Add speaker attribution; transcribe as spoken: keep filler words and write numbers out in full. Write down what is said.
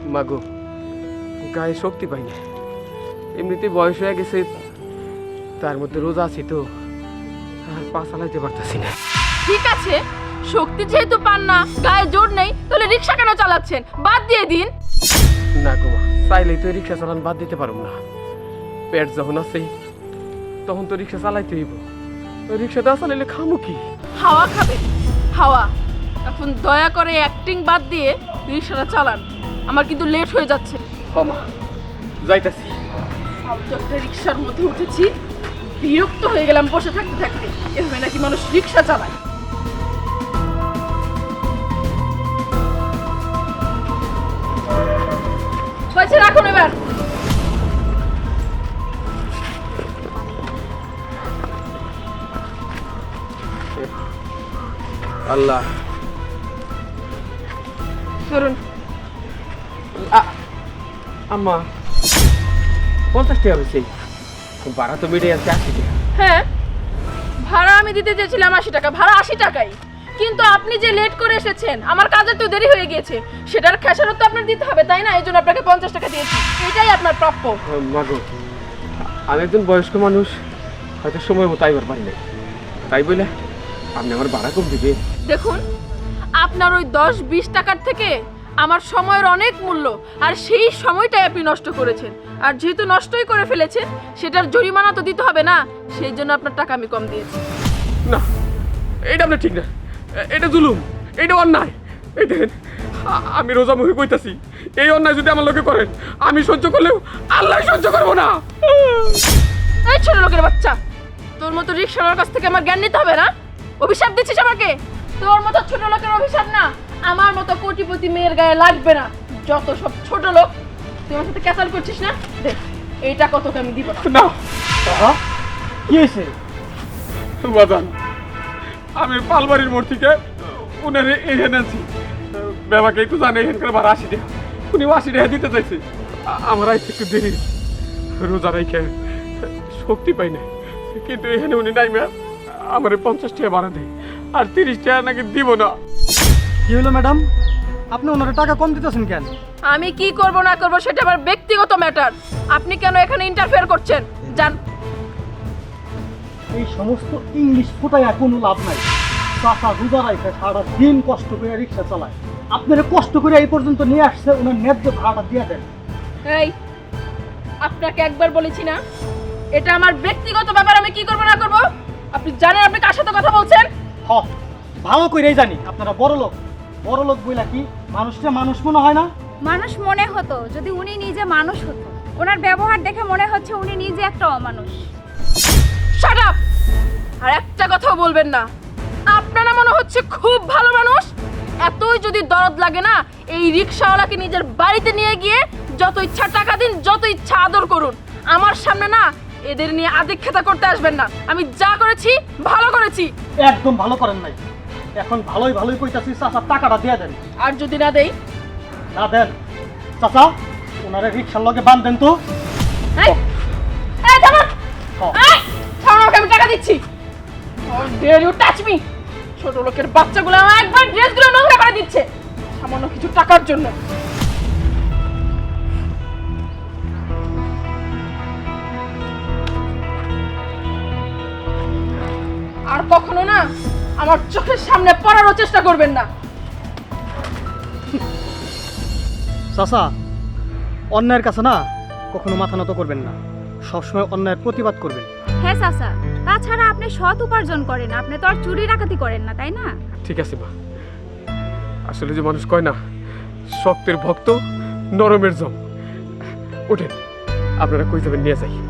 Speaker 1: মাগো গায়ে শক্তি পাই না, এমনিতে বয়স হয়ে গেছে, তার মধ্যে রোজা আছি তো আর পা চালাইতে পারতেছি না।
Speaker 2: ঠিক আছে, শক্তি যেহেতু পান না, গায়ে জোর নেই, তাহলে রিক্সা কেন চালাচ্ছেন? বাদ দিয়ে দিন।
Speaker 1: না গো মা, চাইলেই তো রিক্সা চালান বাদ দিতে পারব না। পেট যখন আছে তখন তো রিক্সা চালাইতে হইব, রিক্সা না চালাইলে খামু কি?
Speaker 2: হাওয়া খাবে হাওয়া। এখন দয়া করে অ্যাক্টিং বাদ দিয়ে রিক্সাটা চালান, আমার কিন্তু লেট হয়ে যাচ্ছে।
Speaker 1: হ মা, যাইতাছি।
Speaker 2: ফালতু একটা রিক্সার মধ্যে উঠেছি, বিরক্ত হয়ে গেলাম বসে থাকতে থাকতে। এভাবে নাকি মানুষ রিক্সা চালায়? পয়সা রাখুন এবার।
Speaker 1: আল্লাহ
Speaker 2: ধরুন।
Speaker 1: আম্মা, পঞ্চাশ টাকা হয়েছে, ভাড়া তো মিটে যাচ্ছে আশি টাকা।
Speaker 2: হ্যাঁ, ভাড়া আমি দিতে চেয়েছিলাম আশি টাকা, ভাড়া আশি টাকাই। কিন্তু আপনি যে লেট করে এসেছেন, আমার কাজে তো দেরি হয়ে গিয়েছে, সেটার খেসারত তো আপনার দিতে হবে, তাই না? এই জন্য আপনাকে পঞ্চাশ টাকা দিয়েছি, এটাই আপনার প্রাপ্য।
Speaker 1: মাগো, আমি একজন বয়স্ক মানুষ, হয়তো সময় মতো আইবার পারি নাই, তাই বলে আপনি আমার ভাড়া কম দিবে?
Speaker 2: দেখুন, আপনার ওই দশ বিশ টাকার থেকে আমার সময়ের অনেক মূল্য, আর সেই সময়টাই আপনি নষ্ট করেছেন। আর যেহেতু নষ্টই করে ফেলেছেন, সেটার জরিমানা তো দিতে হবে না, সেই জন্য আপনার টাকা আমি কম দিয়েছি।
Speaker 1: না, এটা আপনার ঠিক না, এটা জুলুম, এটা অন্যায়। এই দেখেন, আমি রোজা মুখে কইতাছি, এই অন্যায় যদি আমার লোকে করেন, আমি সহ্য করলেও আল্লাহ সহ্য করবো না।
Speaker 2: এই ছোট লোকের বাচ্চা, তোর মতো রিক্সাওয়ালার কাছ থেকে আমার জ্ঞান নিতে হবে না? অভিশাপ দিচ্ছিস আমাকে? তোর মতো ছোট লোকের অভিশাপ না আমার মতো কোটিপতি মেয়ের গায়ে লাগবে না। যত সব ছোট লোক, তুই আমার সাথে ক্যাসাল করছিস না? দেখ, এইটা কতকে আমি দিব না।
Speaker 1: না, কি হয়েছে বাজান? আমি পালবাড়ির মোড় থেকে উনার এখানে আছি, বাবাকে একটু জানে এখানকার ভাড়া আশি টাকা, উনি আশি টাকা দিতে চাইছে। আমার আইতে একটু দেরি, রোজা রাইখে শক্তি পাই না, কিন্তু এখানে উনি নাই ম্যাম, আমার পঞ্চাশ টাকা ভাড়া দেয়, আর তিরিশ টাকা নাকি দিব না।
Speaker 3: কি হলো ম্যাডাম, আপনি ওনার টাকা কম দিতেছেন কেন?
Speaker 2: আমি কি করব না করব সেটা আমার ব্যক্তিগত ম্যাটার। আপনি কেন এখানে ইন্টারফেয়ার করছেন? জান,
Speaker 3: এই সমস্ত ইংলিশ ফুটাইয়া কোনো লাভ নাই। চাচা রোজা রাইখে সারা দিন কষ্ট করে রিক্সা চালায়, আপনারা কষ্ট করে এই পর্যন্ত নিয়ে আসছে, ওনার ন্যায্য ভাড়াটা দিয়ে দেন।
Speaker 2: এই, আপনাকে একবার বলেছি না, এটা আমার ব্যক্তিগত ব্যাপার, আমি কি করব না করব? আপনি জানেন আপনি কার সাথে কথা বলছেন?
Speaker 3: হ, ভালো করেই জানি আপনারা বড় লোক। বড় লোক বইলা কি মানুষটা মানুষ মনে হয় না?
Speaker 4: মানুষ মনে হতো যদি উনি নিজে মানুষ হতো। ওনার ব্যবহার দেখে মনে হচ্ছে উনি নিজে একটা অমানুষ।
Speaker 2: Shut up! আর একটা কথাও বলবেন না। আপনারা মনে হচ্ছে খুব ভালো মানুষ। এতই যদি দরদ লাগে না, এই রিকশাওয়ালাকে নিজের বাড়িতে নিয়ে গিয়ে যত ইচ্ছা টাকা দিন, যত ইচ্ছা আদর করুন। আমার সামনে না এদের নিয়ে আদিক্ষেতা করতে আসবেন না। আমি যা করেছি ভালো করেছি।
Speaker 3: একদম ভালো করেন নাই। এখন ভালোই ভালোই কইতাছি, চাচা টাকাটা দিয়ে দেন।
Speaker 2: আর যদি না দেই?
Speaker 3: না দেন চাচা, ওনারে রিক্সার লগে বাঁধবেন তো।
Speaker 2: এই, এই থামো!
Speaker 3: হ্যাঁ।
Speaker 2: এই, থামো, আমাকে আমি টাকা দিচ্ছি। How dare you touch me? ছোট লোকের বাচ্চাগুলো আমার একবার ড্রেসগুলো নোংরা করে দিচ্ছে সামান্য কিছু টাকার জন্য। আর কখনো না আমার চোখের সামনে পড়ারও চেষ্টা করবেন না।
Speaker 3: চাচা, অন্যায়ের কাছে না কখনো মাথা নত করবেন না, সবসময় অন্যায়ের প্রতিবাদ করবেন।
Speaker 4: হ্যাঁ চাচা, তাছাড়া আপনি সৎ উপার্জন করেন, আপনি তো আর চুরি ডাকাতি করেন না, তাই না?
Speaker 1: ঠিক আছে মা, আসলে যে মানুষ কয় না, শক্তের ভক্ত নরমের জম। ওঠেন, আপনারা কই যাবেন নিয়ে যাই।